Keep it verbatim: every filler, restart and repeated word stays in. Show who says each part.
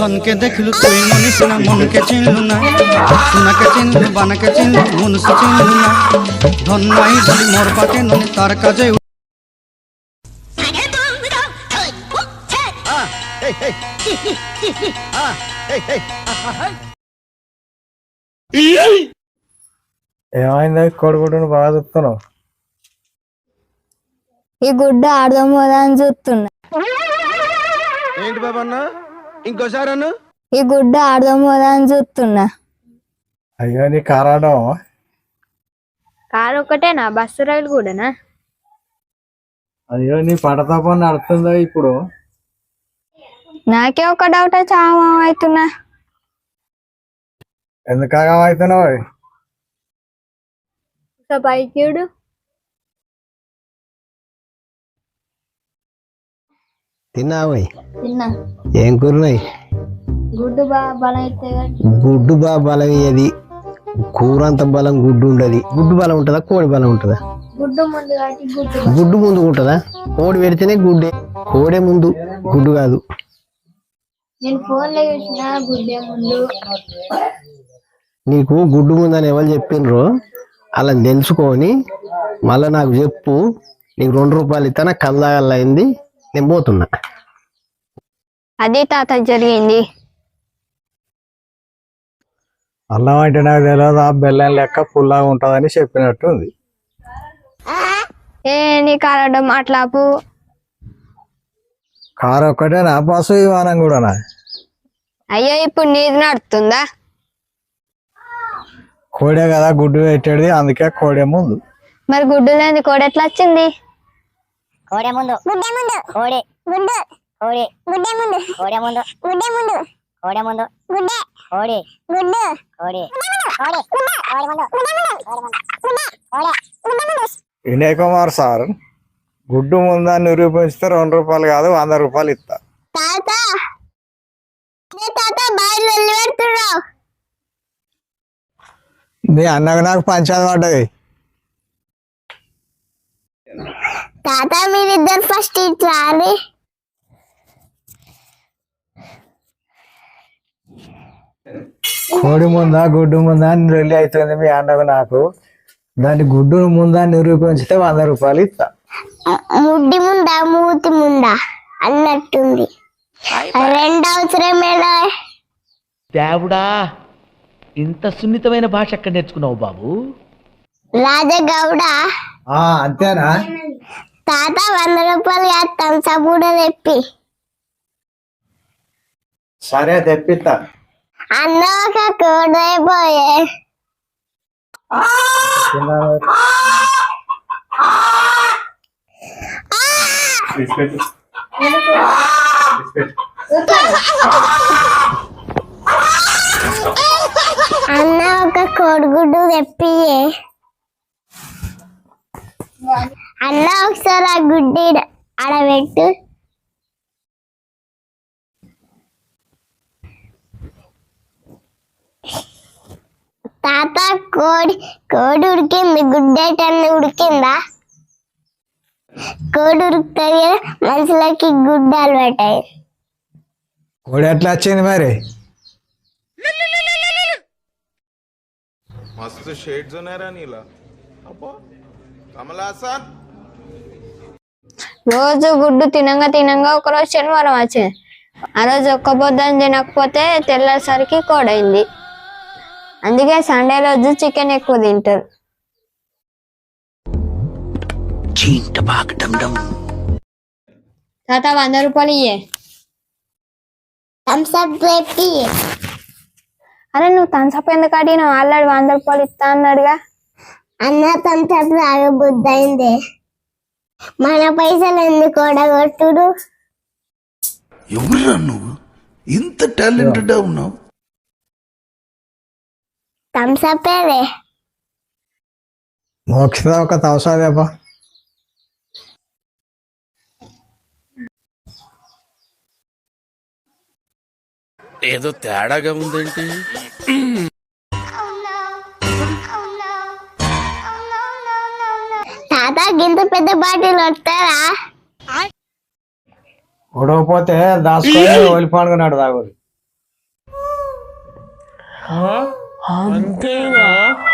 Speaker 1: ধনকে দেখলু তুই মনিস না মনকে চিনলু না সোনাকে চিনলু বানাকে চিনলু মনুষ চিনলু না ধন নাই বলি মোর পাকে ননি তার কাজে
Speaker 2: ఏమైంది కొడుకుడును బాగా చూస్తున్నావు?
Speaker 3: ఈ గుడ్డ ఆడదాం కదా అని చూస్తున్నా.
Speaker 4: ఏంటి బాబన్న ఇంకోసారి అన్న
Speaker 3: ఈ గుడ్డ ఆడదాం కదా అని చూస్తున్నా.
Speaker 2: అయ్యో నీ కారాడం
Speaker 3: కారు ఒకటేనా బస్సు రైలు కూడానా?
Speaker 2: అయ్యో నీ పడతాపం నడుతుందా ఇప్పుడు?
Speaker 3: నాకే ఒక డౌట్ చాలా అవుతున్నా.
Speaker 2: ఎందుకగా అవుతున్నావు?
Speaker 3: బైక్యుడు
Speaker 5: తిన్నావై
Speaker 3: తిన్నా.
Speaker 5: ఏం కూరనాయి?
Speaker 3: గుడ్డు బాగా బలం అయితే
Speaker 5: గుడ్డు బాగా బలం అయ్యేది. కూర అంత బలం గుడ్డు ఉండదు. గుడ్డు బలం ఉంటుందా కోడి బలం ఉంటుందా?
Speaker 3: గుడ్డు ముందు కాబట్టి గుడ్డు
Speaker 5: గుడ్డు ముందు ఉంటుందా? కోడి పెడితేనే గుడ్డే, కోడే ముందు గుడ్డు కాదు.
Speaker 3: నేను ఫోన్ లో చూసిన గుడ్డే ముందు.
Speaker 5: నీకు గుడ్డు ముందు అని ఎవరు చెప్పిండ్రో అలా తెలుసుకొని మళ్ళా నాకు చెప్పు. నీకు రెండు రూపాయలు ఇస్తానా కల్లాగల్లా అయింది, నేను పోతున్నా.
Speaker 3: అదే తాత జరిగింది.
Speaker 2: అల్లం అంటే నాకు తెలియదు, ఆ బెల్లం లెక్క పుల్లాగా ఉంటుందని చెప్పినట్టుంది.
Speaker 3: ఏ నీ కారడం అట్లాపు.
Speaker 2: కారు ఒక్కటే నా బస్సు విమానం కూడానా?
Speaker 3: అయ్యో ఇప్పుడు నీది నడుతుందా?
Speaker 2: కోడే కదా గుడ్డు పెట్టేది, అందుకే కోడే ముందు.
Speaker 3: మరి గుడ్డు లేని కోడి ఎట్లా వచ్చింది?
Speaker 6: కోడే ముందు గుడ్డే ముందు కోడే గుడ్డు కోడే గుడ్డే ముందు కోడే ముందు గుడ్డే ముందు కోడే ముందు గుడ్డే కోడే గుడ్డు కోడే కోడే కోడే ముందు గుడ్డే ముందు గుడ్డే కోడే గుడ్డే ముందు.
Speaker 2: వినయ్ కుమార్ సార్, గుడ్డు ముందాన్ని నిరూపిస్తే రెండు రూపాయలు కాదు వంద రూపాయలు ఇస్తా.
Speaker 3: తాత తాత బయలు వెళ్ళి పెడుతున్నావు.
Speaker 2: నీ అన్నకు నాకు పంచాది పడ్డది.
Speaker 3: తాత మీరిద్దరు ఫస్ట్ ఇట్లా అని.
Speaker 2: కోడి ముందా గుడ్డు ముందా అని రెల్లి అవుతుంది మీ అన్నకు నాకు. దాన్ని గుడ్డు ముందా నిరూపించితే వంద రూపాయలు ఇస్తా.
Speaker 3: ముడ్డి ముందా మూతి ముందా అన్నట్టుంది. రెండు అవసరమేనా?
Speaker 7: దేవుడా, ఇంత సున్నితమైన భాష ఎక్కడ నేర్చుకున్నావు బాబు?
Speaker 3: రాజగౌడ
Speaker 2: అంతేనా?
Speaker 3: తాత వంద రూపాయలు వేస్తాం సబూడ తెప్పి.
Speaker 2: సరే తెప్పిస్తా.
Speaker 3: అన్న ఒక కోడైపోయే అన్న ఒక కోడిగుడ్డు తెప్పియే. అన్న ఒకసారి ఆ గుడ్డి ఆడబెట్టు. తాత కోడి కోడి ఉడికింది, గుడ్డేటన్ని ఉడికిందా? కోడి ఉడుకుతుంది కదా, మనుషులకి గుడ్డలు పెట్టాయి.
Speaker 2: కోడి ఎట్లా వచ్చింది మరి?
Speaker 4: मस्त शेड्स नाही राणीला अप्पा कमला असा
Speaker 3: రోజు గుడ్డు తినంగా తినంగా ఒకరోజు శనివారం వచ్చింది. ఆ రోజు ఒక్క పొద్దున తినకపోతే తెల్లేసరికి కోడైంది. అందుకే సండే రోజు చికెన్ ఎక్కువ తింటారు. తాత వంద రూపాయలు ఇయ్యే. అరే నువ్వు థమ్స్అప్ ఎందుకు అడిగినావు? ఆల్రెడీ వంద రూపాయలు ఇస్తా అన్నాడుగా. అన్న థమ్స్అప్ తాగ బుద్ధి అయింది. మన పైసలు ఎందుకు ఓడగొట్టుడు?
Speaker 8: ఎవరురా నువ్వు ఇంత టాలెంటెడ్ ఉన్నావు?
Speaker 3: థమ్స్అప్
Speaker 2: మోక్ష ఒక తవసాదేపా.
Speaker 8: ఏదో తేడాగా ఉందేంటి?
Speaker 3: తాత గింత పెద్ద బాటిల్ వస్తారా?
Speaker 2: ఉడకపోతే దాచుకొని ఒలి పండుగనాడు తాగుడు.
Speaker 4: అంతేనా